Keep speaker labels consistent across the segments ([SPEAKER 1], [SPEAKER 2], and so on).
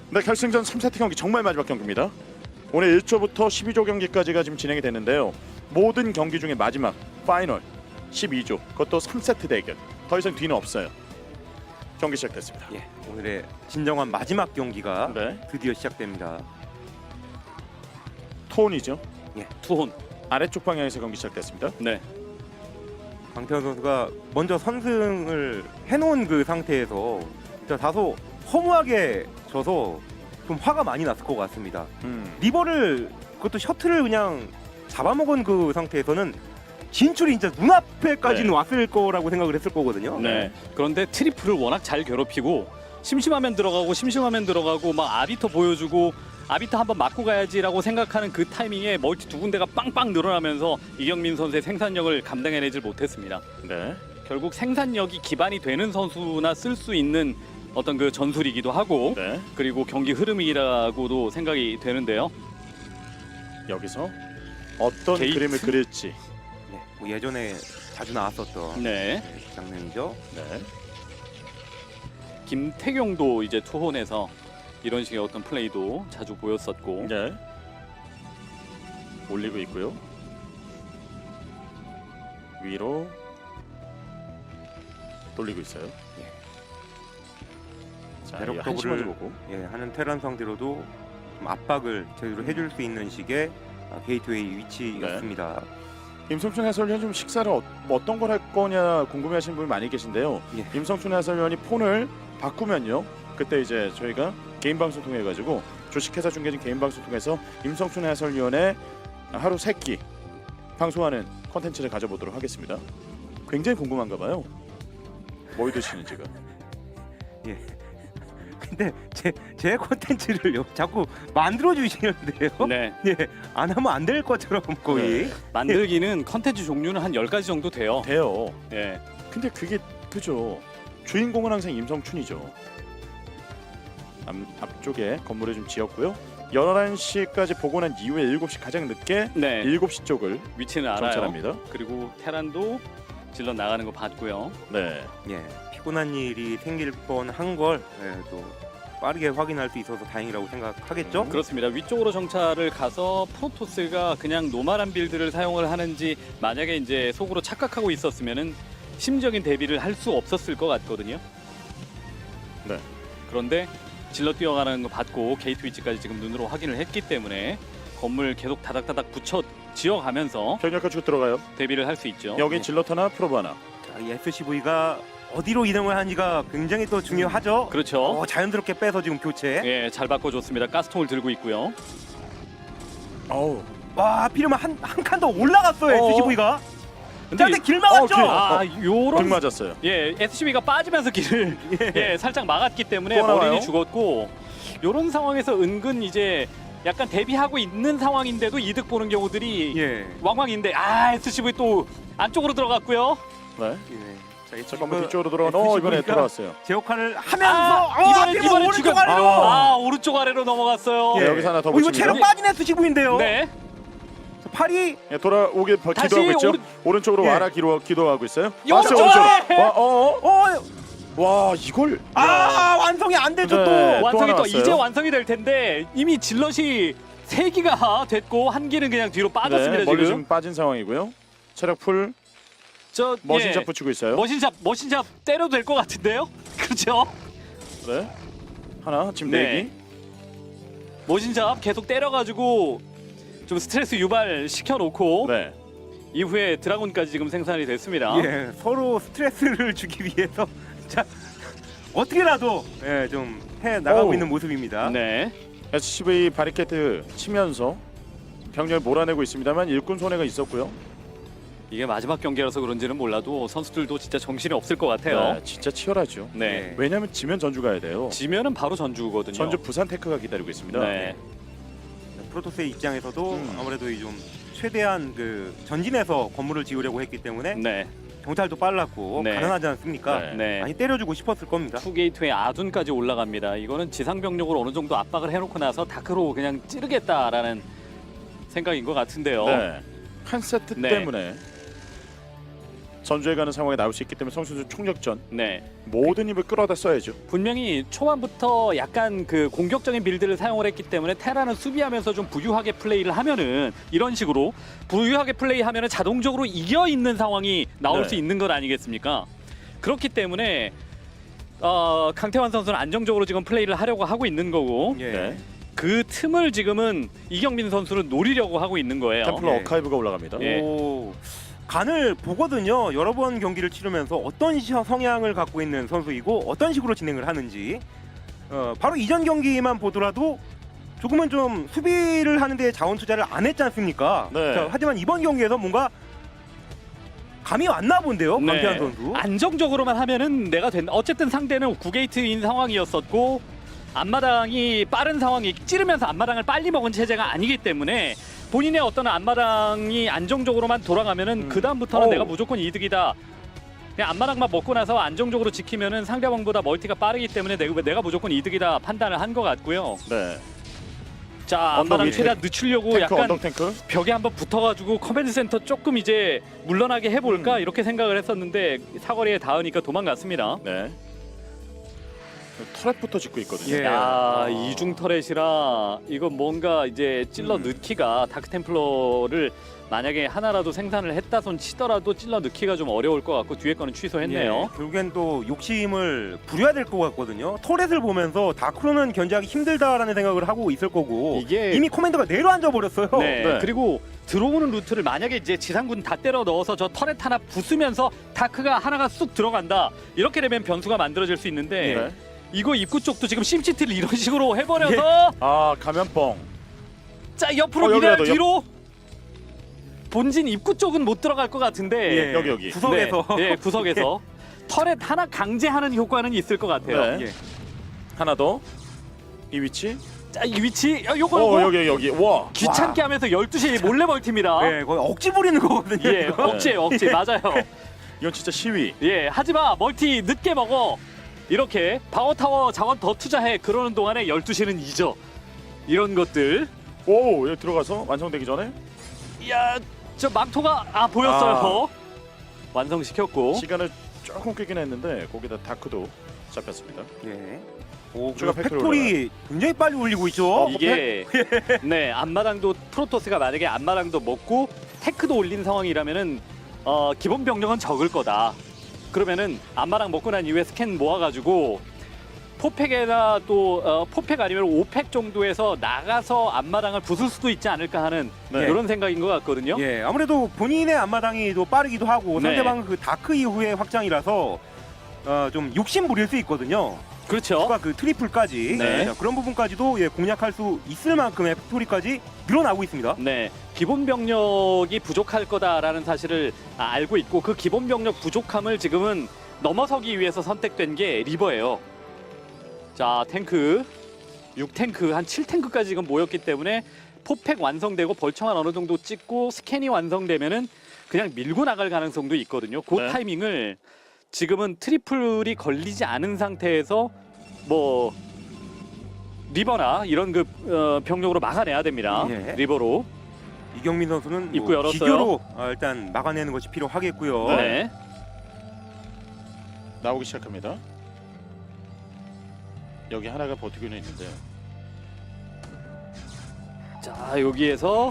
[SPEAKER 1] 네, 결승전 3세트 경기 정말 마지막 경기입니다. 오늘 1조부터 12조 경기까지가 지금 진행이 됐는데요. 모든 경기 중에 마지막 파이널 12조, 그것도 3세트 대결. 더 이상 뒤는 없어요. 경기 시작됐습니다.
[SPEAKER 2] 예, 오늘의 진정한 마지막 경기가
[SPEAKER 1] 네,
[SPEAKER 2] 드디어 시작됩니다.
[SPEAKER 1] 톤이죠.
[SPEAKER 3] 예, 투혼.
[SPEAKER 1] 아래쪽 방향에서 경기 시작됐습니다.
[SPEAKER 3] 네.
[SPEAKER 2] 강태환 선수가 먼저 선승을 해놓은 그 상태에서 진짜 다소 허무하게 져서 좀 화가 많이 났을 것 같습니다. 리버를 그것도 셔틀을 그냥 잡아먹은 그 상태에서는 진출이 진짜 눈앞에까지는
[SPEAKER 1] 네.
[SPEAKER 2] 왔을 거라고 생각을 했을 거거든요.
[SPEAKER 3] 네. 그런데 트리플을 워낙 잘 괴롭히고 심심하면 들어가고 막 아비터 보여주고 아비터 한번 맞고 가야지라고 생각하는 그 타이밍에 멀티 두 군데가 빵빵 늘어나면서 이경민 선수의 생산력을 감당해내질 못했습니다.
[SPEAKER 1] 네,
[SPEAKER 3] 결국 생산력이 기반이 되는 선수나 쓸 수 있는 어떤 그 전술이기도 하고
[SPEAKER 1] 네.
[SPEAKER 3] 그리고 경기 흐름이라고도 생각이 되는데요.
[SPEAKER 1] 여기서 어떤
[SPEAKER 3] 게이트?
[SPEAKER 1] 그림을 그릴지.
[SPEAKER 2] 네, 뭐 예전에 자주 나왔었던
[SPEAKER 3] 네.
[SPEAKER 2] 장면이죠.
[SPEAKER 1] 네,
[SPEAKER 3] 김태경도 이제 투혼에서 이런 식의 어떤 플레이도 자주 보였었고
[SPEAKER 1] 네. 올리고 있고요. 위로 돌리고 있어요. 자,
[SPEAKER 2] 배럭
[SPEAKER 1] 이 한시 먼저 보고.
[SPEAKER 2] 예, 하는 테란 상대로도 좀 압박을 제대로 해줄 수 있는 식의 게이트웨이 위치였습니다.
[SPEAKER 1] 임성춘 해설위원 좀 식사를 어떤 걸 할 거냐 궁금해하시는 분이 많이 계신데요.
[SPEAKER 2] 예.
[SPEAKER 1] 임성춘 해설위원이 폰을 바꾸면요, 그때 이제 저희가 개인 방송 통해 가지고 주식회사 중계진 개인 방송 통해서 임성춘 해설위원의 하루 3끼 방송하는 컨텐츠를 가져보도록 하겠습니다. 굉장히 궁금한가 봐요. 뭘 드시는지가.
[SPEAKER 2] 예. 근데 제 콘텐츠를 자꾸 만들어 주시는데요.
[SPEAKER 3] 네.
[SPEAKER 2] 예, 안 하면 안 될 것처럼 거의.
[SPEAKER 1] 네.
[SPEAKER 3] 만들기는 컨텐츠 종류는 한 10가지 정도 돼요.
[SPEAKER 1] 돼요.
[SPEAKER 3] 예.
[SPEAKER 1] 근데 그게 그죠. 주인공은 항상 임성춘이죠. 앞쪽에 건물을 좀 지었고요. 11시까지 보고 난 이후에 7시 가장 늦게
[SPEAKER 3] 네.
[SPEAKER 1] 7시 쪽을
[SPEAKER 3] 위치는 알아요.
[SPEAKER 1] 정찰합니다.
[SPEAKER 3] 그리고 테란도 질러 나가는 거 봤고요.
[SPEAKER 1] 네.
[SPEAKER 2] 예, 피곤한 일이 생길 뻔한 걸 또 빠르게 확인할 수 있어서 다행이라고 생각하겠죠.
[SPEAKER 3] 그렇습니다. 위쪽으로 정찰을 가서 프로토스가 그냥 노멀한 빌드를 사용을 하는지 만약에 이제 속으로 착각하고 있었으면은 심적인 대비를 할 수 없었을 것 같거든요.
[SPEAKER 1] 네.
[SPEAKER 3] 그런데 질러 뛰어가는 거 봤고 게이트 위치까지 지금 눈으로 확인을 했기 때문에 건물 계속 다닥다닥 붙여 지어가면서
[SPEAKER 1] 병력 가지고 들어가요.
[SPEAKER 3] 대비를 할 수 있죠.
[SPEAKER 1] 여기 질럿 하나, 프로브 하나.
[SPEAKER 2] 자, 이 SCV가 어디로 이동을 하는지가 굉장히 또 중요하죠.
[SPEAKER 3] 그렇죠.
[SPEAKER 2] 자연스럽게 빼서 지금 교체.
[SPEAKER 3] 예, 잘 바꿔줬습니다. 가스통을 들고 있고요.
[SPEAKER 1] 어우.
[SPEAKER 2] 와, 하필이면 한 칸 더 올라갔어요.
[SPEAKER 1] 어.
[SPEAKER 2] SCV가.
[SPEAKER 3] 근데
[SPEAKER 2] 근데 길 막았죠.
[SPEAKER 1] 길.
[SPEAKER 3] 아,
[SPEAKER 1] 등
[SPEAKER 3] 요런
[SPEAKER 1] 맞았어요.
[SPEAKER 3] 예, SCV가 빠지면서 길을 예, 살짝 막았기 때문에
[SPEAKER 1] 또 나와요?
[SPEAKER 3] 머리는 죽었고 요런 상황에서 은근 이제 약간 대비하고 있는 상황인데도 이득 보는 경우들이
[SPEAKER 2] 예.
[SPEAKER 3] 왕왕인데 SCV 또 안쪽으로 들어갔고요.
[SPEAKER 1] 네.
[SPEAKER 2] 예. 자,
[SPEAKER 1] 자, 건물 뒤쪽으로 들어가는 이번에 들어왔어요.
[SPEAKER 2] 제 역할을 하면서
[SPEAKER 3] 이번에
[SPEAKER 2] 오른쪽
[SPEAKER 3] 지금
[SPEAKER 2] 아래로.
[SPEAKER 3] 오른쪽 아래로 넘어갔어요.
[SPEAKER 1] 네, 여기서 하나 더
[SPEAKER 2] 이거
[SPEAKER 1] 붙입니다.
[SPEAKER 2] 체력 빠진 SCV인데요.
[SPEAKER 3] 네.
[SPEAKER 2] 팔이
[SPEAKER 1] 예, 돌아오길
[SPEAKER 3] 다시
[SPEAKER 1] 기도하고 있죠. 오른쪽으로
[SPEAKER 2] 예.
[SPEAKER 1] 와라 기도하고 있어요.
[SPEAKER 3] 오른쪽!
[SPEAKER 1] 오른쪽.
[SPEAKER 2] 어,
[SPEAKER 1] 와, 이걸.
[SPEAKER 2] 완성이 안 되죠.
[SPEAKER 1] 네.
[SPEAKER 2] 또.
[SPEAKER 3] 완성이
[SPEAKER 1] 하나
[SPEAKER 3] 또
[SPEAKER 1] 왔어요.
[SPEAKER 3] 이제 완성이 될 텐데 이미 질럿이 3기가 됐고 한 기는 그냥 뒤로 빠졌습니다.
[SPEAKER 1] 네, 멀리
[SPEAKER 3] 지금.
[SPEAKER 1] 지금 빠진 상황이고요. 체력 풀
[SPEAKER 3] 저
[SPEAKER 1] 머신샷
[SPEAKER 3] 예,
[SPEAKER 1] 붙이고 있어요.
[SPEAKER 3] 머신샵 때려도 될 것 같은데요? 그렇죠?
[SPEAKER 1] 네. 하나 지금
[SPEAKER 3] 네.
[SPEAKER 1] 내기.
[SPEAKER 3] 머신샵 계속 때려가지고 좀 스트레스 유발 시켜놓고
[SPEAKER 1] 네.
[SPEAKER 3] 이후에 드라곤까지 지금 생산이 됐습니다.
[SPEAKER 2] 예, 서로 스트레스를 주기 위해서 자 어떻게라도 좀 해 나가고
[SPEAKER 1] 어우.
[SPEAKER 2] 있는 모습입니다.
[SPEAKER 3] 네.
[SPEAKER 1] SCV 바리케이트 치면서 병력을 몰아내고 있습니다만 일꾼 손해가 있었고요.
[SPEAKER 3] 이게 마지막 경기라서 그런지는 몰라도 선수들도 진짜 정신이 없을 것 같아요.
[SPEAKER 1] 네, 진짜 치열하죠.
[SPEAKER 3] 네.
[SPEAKER 1] 왜냐하면 지면 전주 가야 돼요.
[SPEAKER 3] 지면은 바로 전주거든요.
[SPEAKER 1] 전주 부산 테크가 기다리고 있습니다.
[SPEAKER 3] 네.
[SPEAKER 2] 프로토스의 입장에서도
[SPEAKER 1] 음.
[SPEAKER 2] 아무래도 좀 최대한 그 전진해서 건물을 지으려고 했기 때문에
[SPEAKER 3] 네.
[SPEAKER 2] 정찰도 빨랐고
[SPEAKER 3] 네.
[SPEAKER 2] 가능하지 않습니까?
[SPEAKER 1] 네.
[SPEAKER 3] 네.
[SPEAKER 2] 많이 때려주고 싶었을 겁니다.
[SPEAKER 3] 투게이트의 아둔까지 올라갑니다. 이거는 지상 병력으로 어느 정도 압박을 해놓고 나서 다크로 그냥 찌르겠다라는 생각인 것 같은데요.
[SPEAKER 1] 네. 한 세트
[SPEAKER 3] 네.
[SPEAKER 1] 때문에 전주에 가는 상황에 나올 수 있기 때문에 선수들 총력전
[SPEAKER 3] 네.
[SPEAKER 1] 모든 힘을 끌어다 써야죠.
[SPEAKER 3] 분명히 초반부터 약간 그 공격적인 빌드를 사용을 했기 때문에 테라는 수비하면서 좀 부유하게 플레이를 하면은 이런 식으로 부유하게 플레이하면은 자동적으로 이겨 있는 상황이 나올
[SPEAKER 1] 네.
[SPEAKER 3] 수 있는 것 아니겠습니까? 그렇기 때문에 강태환 선수는 안정적으로 지금 플레이를 하려고 하고 있는 거고
[SPEAKER 2] 예.
[SPEAKER 1] 네.
[SPEAKER 3] 그 틈을 지금은 이경민 선수는 노리려고 하고 있는 거예요.
[SPEAKER 1] 템플러
[SPEAKER 2] 예.
[SPEAKER 1] 어카이브가 올라갑니다.
[SPEAKER 3] 예.
[SPEAKER 2] 오, 간을 보거든요. 여러 번 경기를 치르면서 어떤 성향을 갖고 있는 선수이고 어떤 식으로 진행을 하는지 바로 이전 경기만 보더라도 조금은 좀 수비를 하는데 자원 투자를 안 했지 않습니까?
[SPEAKER 1] 네.
[SPEAKER 2] 자, 하지만 이번 경기에서 뭔가 감이 왔나 본데요,
[SPEAKER 3] 네.
[SPEAKER 2] 강태환 선수.
[SPEAKER 3] 안정적으로만 하면은 내가 된다. 어쨌든 상대는 9게이트인 상황이었었고 앞마당이 빠른 상황이 찌르면서 앞마당을 빨리 먹은 체제가 아니기 때문에 본인의 어떤 앞마당이 안정적으로만 돌아가면은 그 다음부터는
[SPEAKER 1] 어우.
[SPEAKER 3] 내가 무조건 이득이다. 그냥 앞마당만 먹고 나서 안정적으로 지키면은 상대방보다 멀티가 빠르기 때문에 내가 무조건 이득이다 판단을 한 것 같고요.
[SPEAKER 1] 네.
[SPEAKER 3] 자
[SPEAKER 1] 언덕
[SPEAKER 3] 앞마당
[SPEAKER 1] 위에
[SPEAKER 3] 최대한 늦추려고
[SPEAKER 1] 탱크
[SPEAKER 3] 약간
[SPEAKER 1] 언덕 탱크.
[SPEAKER 3] 벽에 한번 붙어가지고 커맨드 센터 조금 이제 물러나게 해볼까 이렇게 생각을 했었는데 사거리에 닿으니까 도망갔습니다.
[SPEAKER 1] 네. 터렛부터 짓고 있거든요.
[SPEAKER 2] 예.
[SPEAKER 3] 야 이중 터렛이라 이거 뭔가 이제 찔러 넣기가 다크템플러를 만약에 하나라도 생산을 했다 손 치더라도 찔러 넣기가 좀 어려울 것 같고 뒤에 거는 취소했네요.
[SPEAKER 2] 예, 결국엔 또 욕심을 부려야 될 것 같거든요. 터렛을 보면서 다크로는 견제하기 힘들다라는 생각을 하고 있을 거고
[SPEAKER 3] 이게-
[SPEAKER 2] 이미 커맨더가 내려앉아 버렸어요.
[SPEAKER 3] 네.
[SPEAKER 1] 네.
[SPEAKER 3] 그리고 들어오는 루트를 만약에 이제 지상군 다 때려 넣어서 저 터렛 하나 부수면서 다크가 하나가 쑥 들어간다. 이렇게 되면 변수가 만들어질 수 있는데
[SPEAKER 1] 네.
[SPEAKER 3] 이거 입구 쪽도 지금 심시티를 이런 식으로 해버려서
[SPEAKER 1] 아 감염뻥.
[SPEAKER 3] 자 옆으로 밀어야
[SPEAKER 1] 여기라도
[SPEAKER 3] 뒤로 본진 입구 쪽은 못 들어갈 것 같은데
[SPEAKER 2] 예,
[SPEAKER 1] 여기.
[SPEAKER 2] 구석에서
[SPEAKER 3] 네, 네, 구석에서 터렛 하나 강제하는 효과는 있을 것 같아요.
[SPEAKER 1] 네.
[SPEAKER 2] 예.
[SPEAKER 1] 하나 더. 이 위치.
[SPEAKER 3] 자, 이 위치 요거
[SPEAKER 1] 여기. 와.
[SPEAKER 3] 귀찮게 하면서 12시 몰래 멀티입니다.
[SPEAKER 2] 예, 거의 억지 부리는 거거든요.
[SPEAKER 3] 예,
[SPEAKER 2] 이거.
[SPEAKER 3] 억지 맞아요.
[SPEAKER 1] 이건 진짜 시위.
[SPEAKER 3] 예, 하지마 멀티 늦게 먹어. 이렇게 파워타워 자원 더 투자해. 그러는 동안에 12시는 잊어. 이런 것들.
[SPEAKER 1] 오, 여기 들어가서 완성되기 전에
[SPEAKER 3] 이야, 저 망토가 보였어요. 완성시켰고.
[SPEAKER 1] 시간을 조금 끌긴 했는데 거기다 다크도 잡혔습니다.
[SPEAKER 2] 예. 오,
[SPEAKER 1] 추가
[SPEAKER 2] 그리고
[SPEAKER 1] 팩토리
[SPEAKER 2] 팩토리 굉장히 빨리 올리고 있죠.
[SPEAKER 3] 이게 네 앞마당도 프로토스가 만약에 앞마당도 먹고 테크도 올린 상황이라면은 기본 병력은 적을 거다. 그러면은 앞마당 먹고 난 이후에 스캔 모아가지고 포팩에다 또 포팩 아니면 5팩 정도에서 나가서 앞마당을 부술 수도 있지 않을까 하는
[SPEAKER 1] 네.
[SPEAKER 3] 이런 생각인 것 같거든요.
[SPEAKER 2] 예, 아무래도 본인의 앞마당이 또 빠르기도 하고
[SPEAKER 3] 네.
[SPEAKER 2] 상대방 그 다크 이후의 확장이라서 좀 욕심 부릴 수 있거든요.
[SPEAKER 3] 그렇죠.
[SPEAKER 2] 추가 그 트리플까지
[SPEAKER 3] 네.
[SPEAKER 2] 자, 그런 부분까지도 예, 공략할 수 있을 만큼의 팩토리까지 늘어나고 있습니다.
[SPEAKER 3] 네, 기본 병력이 부족할 거다라는 사실을 알고 있고 그 기본 병력 부족함을 지금은 넘어서기 위해서 선택된 게 리버예요. 자, 탱크 6탱크 한 7탱크까지 지금 모였기 때문에 포팩 완성되고 벌청한 어느 정도 찍고 스캔이 완성되면은 그냥 밀고 나갈 가능성도 있거든요. 그
[SPEAKER 1] 네.
[SPEAKER 3] 타이밍을 지금은 트리플이 걸리지 않은 상태에서 뭐 리버나 이런 그 병력으로 막아내야 됩니다.
[SPEAKER 2] 예.
[SPEAKER 3] 리버로.
[SPEAKER 2] 이경민 선수는
[SPEAKER 3] 입구 열었어요.
[SPEAKER 2] 기교로 일단 막아내는 것이 필요하겠고요.
[SPEAKER 3] 네.
[SPEAKER 1] 나오기 시작합니다. 여기 하나가 버티고는 있는데
[SPEAKER 3] 자, 여기에서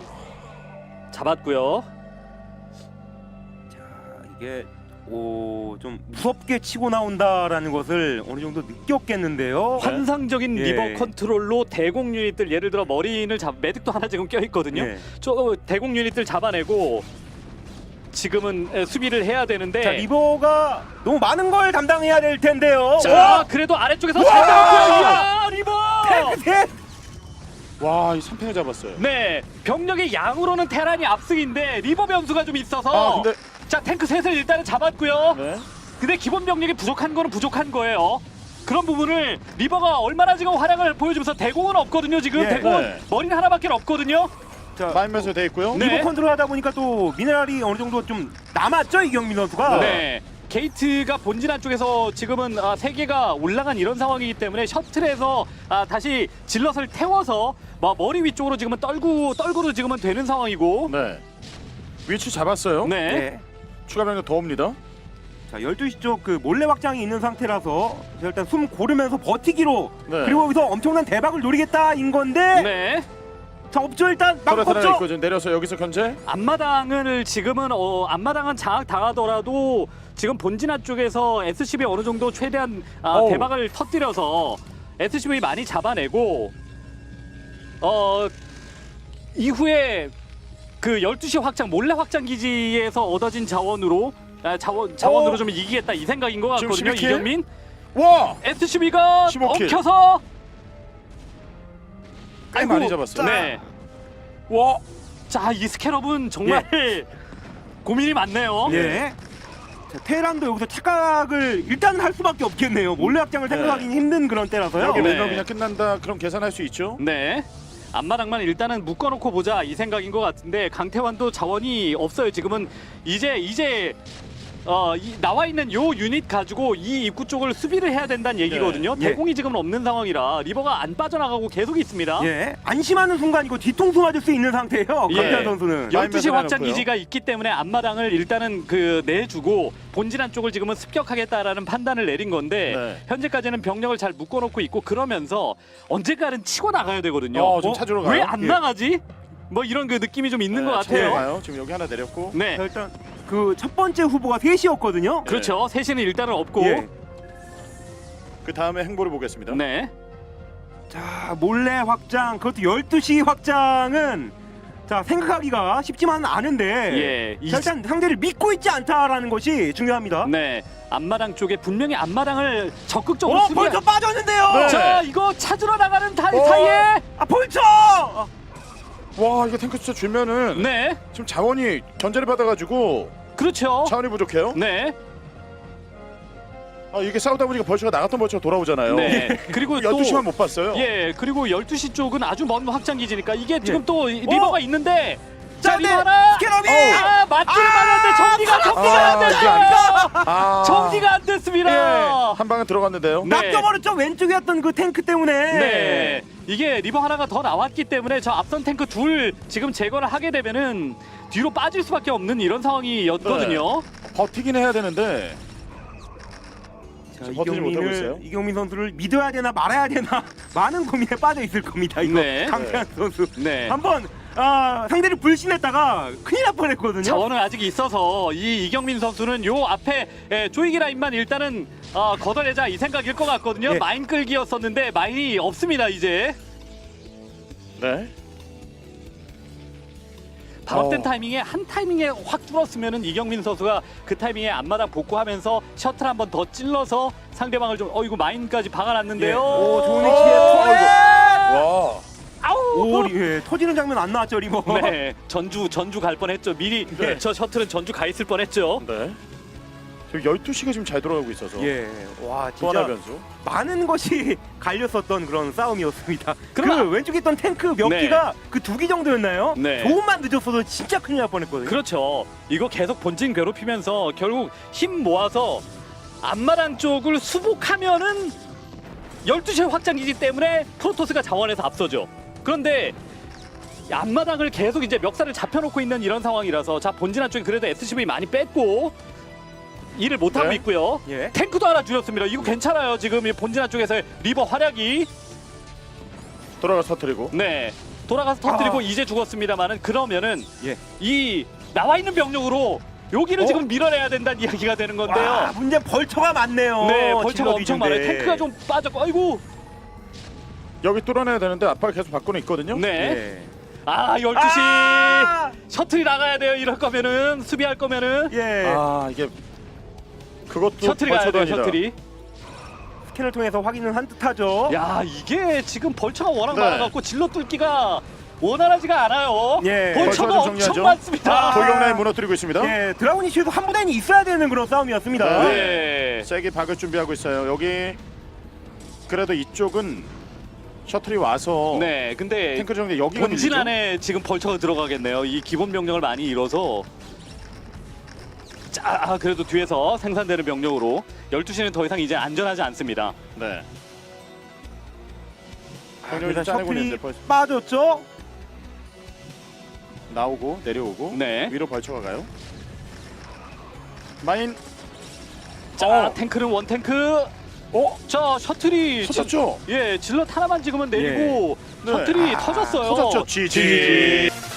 [SPEAKER 3] 잡았고요.
[SPEAKER 2] 자, 이게 좀 무섭게 치고 나온다라는 것을 어느 정도 느꼈겠는데요.
[SPEAKER 3] 환상적인
[SPEAKER 2] 예.
[SPEAKER 3] 리버 컨트롤로 대공 유닛들 예를 들어 머린을 매듭도 하나 지금 껴 있거든요.
[SPEAKER 2] 예.
[SPEAKER 3] 저 대공 유닛들 잡아내고 지금은 수비를 해야 되는데
[SPEAKER 2] 자, 리버가 너무 많은 걸 담당해야 될 텐데요.
[SPEAKER 3] 자, 그래도 아래쪽에서 잘 잡았고요. 이야, 리버!
[SPEAKER 2] 셋!
[SPEAKER 1] 와, 이 3팽을 잡았어요.
[SPEAKER 3] 네, 병력의 양으로는 테란이 압승인데 리버 변수가 좀 있어서
[SPEAKER 1] 아, 근데
[SPEAKER 3] 자, 탱크 셋을 일단은 잡았고요.
[SPEAKER 1] 네.
[SPEAKER 3] 근데 기본 병력이 부족한 거는 부족한 거예요. 그런 부분을 리버가 얼마나 지금 활약을 보여주면서 대공은 없거든요. 지금
[SPEAKER 2] 예.
[SPEAKER 3] 대공은
[SPEAKER 1] 네.
[SPEAKER 3] 머리는 하나밖에 없거든요.
[SPEAKER 2] 자,
[SPEAKER 1] 마인면서 돼 있고요.
[SPEAKER 3] 네.
[SPEAKER 2] 리버 컨트롤 하다 보니까 또 미네랄이 어느 정도 좀 남았죠, 이경민 선수가.
[SPEAKER 3] 네. 게이트가 본진 안쪽에서 지금은 3개가 올라간 이런 상황이기 때문에 셔틀에서 다시 질럿을 태워서 머리 위쪽으로 지금은 떨구로 지금은 되는 상황이고.
[SPEAKER 1] 네. 위치 잡았어요.
[SPEAKER 3] 네.
[SPEAKER 2] 네.
[SPEAKER 1] 추가 병력 더 옵니다.
[SPEAKER 2] 자 12시 쪽 그 몰래 확장이 있는 상태라서 자, 일단 숨 고르면서 버티기로
[SPEAKER 1] 네.
[SPEAKER 2] 그리고 여기서 엄청난 대박을 노리겠다인 건데
[SPEAKER 3] 네.
[SPEAKER 2] 자 없죠 일단 막
[SPEAKER 1] 터렛 하나
[SPEAKER 2] 없죠.
[SPEAKER 1] 있고 지금 내려서 여기서 견제.
[SPEAKER 3] 앞마당을 지금은 앞마당은 장악 당하더라도 지금 본진화 쪽에서 SCB 어느 정도 최대한
[SPEAKER 1] 어우.
[SPEAKER 3] 대박을 터뜨려서 SCB 많이 잡아내고 이후에 그 12시 확장 몰래 확장 기지에서 얻어진 자원으로 자원으로
[SPEAKER 1] 어.
[SPEAKER 3] 좀 이기겠다 이 생각인 것
[SPEAKER 1] 지금
[SPEAKER 3] 같거든요.
[SPEAKER 1] 11킬?
[SPEAKER 3] 이경민
[SPEAKER 1] 와!
[SPEAKER 3] SCB가
[SPEAKER 1] 15킬.
[SPEAKER 3] 엉켜서
[SPEAKER 1] 꽤 많이 잡았어요.
[SPEAKER 3] 네.
[SPEAKER 1] 와!
[SPEAKER 3] 자, 이 스캐럽은 정말 고민이 많네요.
[SPEAKER 2] 예. 자, 테란도 여기서 착각을 일단 할 수밖에 없겠네요. 몰래 확장을
[SPEAKER 1] 네.
[SPEAKER 2] 생각하기는 힘든 그런 때라서요.
[SPEAKER 1] 여기
[SPEAKER 3] 네.
[SPEAKER 1] 매너 그냥 끝난다. 그럼 계산할 수 있죠.
[SPEAKER 3] 네. 앞마당만 일단은 묶어놓고 보자 이 생각인 것 같은데 강태환도 자원이 없어요. 지금은 이제 나와 있는 요 유닛 가지고 이 입구 쪽을 수비를 해야 된다는 얘기거든요.
[SPEAKER 2] 예.
[SPEAKER 3] 대공이 지금 없는 상황이라 리버가 안 빠져나가고 계속 있습니다.
[SPEAKER 2] 예. 안심하는 순간이고 뒤통수 맞을 수 있는 상태예요.
[SPEAKER 3] 예.
[SPEAKER 2] 강태환 선수는.
[SPEAKER 3] 12시
[SPEAKER 1] 라인맨
[SPEAKER 3] 확장
[SPEAKER 1] 해놓고요.
[SPEAKER 3] 기지가 있기 때문에 앞마당을 일단은 내주고 본진한 쪽을 지금은 습격하겠다라는 판단을 내린 건데
[SPEAKER 1] 네.
[SPEAKER 3] 현재까지는 병력을 잘 묶어놓고 있고 그러면서 언젠가는 치고 나가야 되거든요.
[SPEAKER 1] 좀 찾으러 가요.
[SPEAKER 3] 왜 안
[SPEAKER 2] 예.
[SPEAKER 3] 나가지? 뭐 이런 그 느낌이 좀 있는 것
[SPEAKER 1] 찾으러
[SPEAKER 3] 같아요.
[SPEAKER 1] 가요. 지금 여기 하나 내렸고.
[SPEAKER 3] 네,
[SPEAKER 2] 자, 일단 그 첫 번째 후보가 3시였거든요.
[SPEAKER 3] 그렇죠. 셋이는 일단은 없고,
[SPEAKER 2] 예.
[SPEAKER 1] 그 다음에 행보를 보겠습니다.
[SPEAKER 3] 네,
[SPEAKER 2] 자 몰래 확장 그것도 12시 확장은 자 생각하기가 쉽지만은 않은데
[SPEAKER 3] 예,
[SPEAKER 2] 자, 일단 상대를 믿고 있지 않다라는 것이 중요합니다.
[SPEAKER 3] 네, 앞마당 쪽에 분명히 앞마당을 적극적으로
[SPEAKER 2] 어
[SPEAKER 3] 수비해-
[SPEAKER 2] 벌써 빠졌는데요.
[SPEAKER 1] 네.
[SPEAKER 3] 자, 이거 찾으러 나가는
[SPEAKER 1] 어.
[SPEAKER 3] 사이에,
[SPEAKER 2] 아 벌써.
[SPEAKER 1] 와, 이거 탱크 숫자 줄면은
[SPEAKER 3] 네,
[SPEAKER 1] 지금 자원이 견제를 받아가지고
[SPEAKER 3] 그렇죠.
[SPEAKER 1] 자원이 부족해요.
[SPEAKER 3] 네,
[SPEAKER 1] 이게 싸우다 보니까 벌처가 나갔던 벌처가 돌아오잖아요.
[SPEAKER 3] 네. 그리고 또
[SPEAKER 1] 12시만 못 봤어요.
[SPEAKER 3] 예, 그리고 12시 쪽은 아주 먼 확장 기지니까 이게 지금
[SPEAKER 2] 예.
[SPEAKER 3] 또 리버가 있는데
[SPEAKER 2] 자,
[SPEAKER 3] 자, 리버
[SPEAKER 2] 네.
[SPEAKER 3] 하나.
[SPEAKER 2] 스캐럽이
[SPEAKER 3] 맞기를 말았는데 정리가 안
[SPEAKER 1] 이게
[SPEAKER 3] 됐어요. 정리가 안
[SPEAKER 1] 예.
[SPEAKER 3] 됐습니다.
[SPEAKER 1] 한 방은 들어갔는데요.
[SPEAKER 3] 네.
[SPEAKER 2] 낚여버렸죠. 왼쪽이었던 그 탱크 때문에.
[SPEAKER 3] 네, 이게 리버 하나가 더 나왔기 때문에 저 앞선 탱크 둘 지금 제거를 하게 되면은 뒤로 빠질 수밖에 없는 이런 상황이었거든요.
[SPEAKER 1] 버티긴 해야 되는데
[SPEAKER 2] 자,
[SPEAKER 1] 지금 버티지 못하고 있어요.
[SPEAKER 2] 이경민 선수를 믿어야 되나 말아야 되나 많은 고민에 빠져 있을 겁니다. 이거
[SPEAKER 3] 네.
[SPEAKER 2] 강태환 선수
[SPEAKER 3] 네.
[SPEAKER 2] 한번 상대를 불신했다가 큰일 날 뻔했거든요.
[SPEAKER 3] 자원은 아직 있어서 이 이경민 선수는 요 앞에 조이기 라인만 일단은 걷어내자 이 생각일 것 같거든요.
[SPEAKER 2] 예.
[SPEAKER 3] 마인 끌기였었는데 마인이 없습니다 이제.
[SPEAKER 1] 네.
[SPEAKER 3] 발업된 타이밍에 한 타이밍에 확 뚫었으면은 이경민 선수가 그 타이밍에 앞마당 복구하면서 셔틀 한 번 더 찔러서 상대방을 좀 이거 마인까지 박아놨는데요.
[SPEAKER 2] 예. 오, 좋은
[SPEAKER 1] 오,
[SPEAKER 2] 위치에 터렛!
[SPEAKER 1] 와.
[SPEAKER 3] 아우.
[SPEAKER 2] 오, 예, 터지는 장면 안 나왔죠, 리버.
[SPEAKER 3] 네, 전주 갈 뻔했죠. 미리
[SPEAKER 1] 네.
[SPEAKER 3] 저 셔틀은 전주 가 있을 뻔했죠.
[SPEAKER 1] 네. 지금 12시가 지금 잘 돌아가고 있어서
[SPEAKER 2] 예, 와
[SPEAKER 1] 또 하나
[SPEAKER 2] 진짜
[SPEAKER 1] 변수.
[SPEAKER 2] 많은 것이 갈렸었던 그런 싸움이었습니다.
[SPEAKER 3] 그러나-
[SPEAKER 2] 그 왼쪽에 있던 탱크 몇
[SPEAKER 3] 네.
[SPEAKER 2] 기가 그 2기 정도였나요?
[SPEAKER 3] 네.
[SPEAKER 2] 조금만 늦었어도 진짜 큰일 날 뻔했거든요.
[SPEAKER 3] 그렇죠. 이거 계속 본진 괴롭히면서 결국 힘 모아서 앞마당 쪽을 수복하면은 12시 확장기지 때문에 프로토스가 자원에서 앞서죠. 그런데 앞마당을 계속 이제 멱살을 잡혀놓고 있는 이런 상황이라서 자 본진 한쪽에 그래도 SCV 많이 뺐고 일을 못하고
[SPEAKER 1] 네.
[SPEAKER 3] 있고요.
[SPEAKER 2] 예.
[SPEAKER 3] 탱크도 하나 줄였습니다. 이거 괜찮아요. 지금 이 본진 한쪽에서 리버 활약이
[SPEAKER 1] 돌아가서 터뜨리고.
[SPEAKER 3] 네 돌아가서 터뜨리고 이제 죽었습니다만은 그러면은
[SPEAKER 2] 예.
[SPEAKER 3] 이 나와 있는 병력으로 여기를 지금 밀어내야 된다는 이야기가 되는 건데요.
[SPEAKER 2] 와, 문제 벌처가 많네요.
[SPEAKER 3] 네, 벌처가
[SPEAKER 2] 질럿
[SPEAKER 3] 엄청
[SPEAKER 2] 위주인데.
[SPEAKER 3] 많아요. 탱크가 좀 빠졌고, 아이고.
[SPEAKER 1] 여기 뚫어내야 되는데 압박을 계속 받고는 있거든요.
[SPEAKER 3] 네.
[SPEAKER 2] 예.
[SPEAKER 3] 아, 12시.
[SPEAKER 2] 아!
[SPEAKER 3] 셔틀이 나가야 돼요. 이럴 거면은 수비할 거면은
[SPEAKER 2] 예.
[SPEAKER 1] 이게 그것도
[SPEAKER 3] 셔틀이 가야
[SPEAKER 1] 벌쳐도
[SPEAKER 3] 돼요.
[SPEAKER 1] 아니다.
[SPEAKER 3] 셔틀이.
[SPEAKER 2] 스캔을 통해서 확인은 한 듯하죠.
[SPEAKER 3] 야, 이게 지금 벌처가 워낙
[SPEAKER 1] 네.
[SPEAKER 3] 많아갖고 질러 뚫기가 원활하지가 않아요.
[SPEAKER 2] 예.
[SPEAKER 3] 벌처가
[SPEAKER 1] 벌처를
[SPEAKER 3] 엄청
[SPEAKER 1] 정리하죠.
[SPEAKER 3] 많습니다.
[SPEAKER 1] 돌격 라인 무너뜨리고 있습니다.
[SPEAKER 2] 예, 드라군 이슈에서 한 부대는 있어야 되는 그런 싸움이었습니다.
[SPEAKER 3] 네.
[SPEAKER 1] 세게 박을 준비하고 있어요. 여기 그래도 이쪽은 셔틀이 와서
[SPEAKER 3] 네, 근데
[SPEAKER 1] 탱크 정리 여기가
[SPEAKER 3] 본진
[SPEAKER 1] 밀리죠?
[SPEAKER 3] 안에 지금 벌처가 들어가겠네요. 이 기본 병력을 많이 잃어서. 자, 그래도 뒤에서 생산되는 병력으로 12시는 더 이상 이제 안전하지 않습니다.
[SPEAKER 1] 네. 병력이
[SPEAKER 2] 일단
[SPEAKER 1] 좀 짜내고
[SPEAKER 2] 셔틀이
[SPEAKER 1] 있는데 벌써
[SPEAKER 2] 빠졌죠.
[SPEAKER 1] 나오고 내려오고
[SPEAKER 3] 네.
[SPEAKER 1] 위로 벌쳐가 가요. 마인.
[SPEAKER 3] 자 탱크는 원탱크. 자 셔틀이
[SPEAKER 1] 터졌죠?
[SPEAKER 3] 예 질럿 하나만 지금은 내리고
[SPEAKER 1] 네.
[SPEAKER 3] 셔틀이 터졌어요.
[SPEAKER 1] 터졌죠. GG.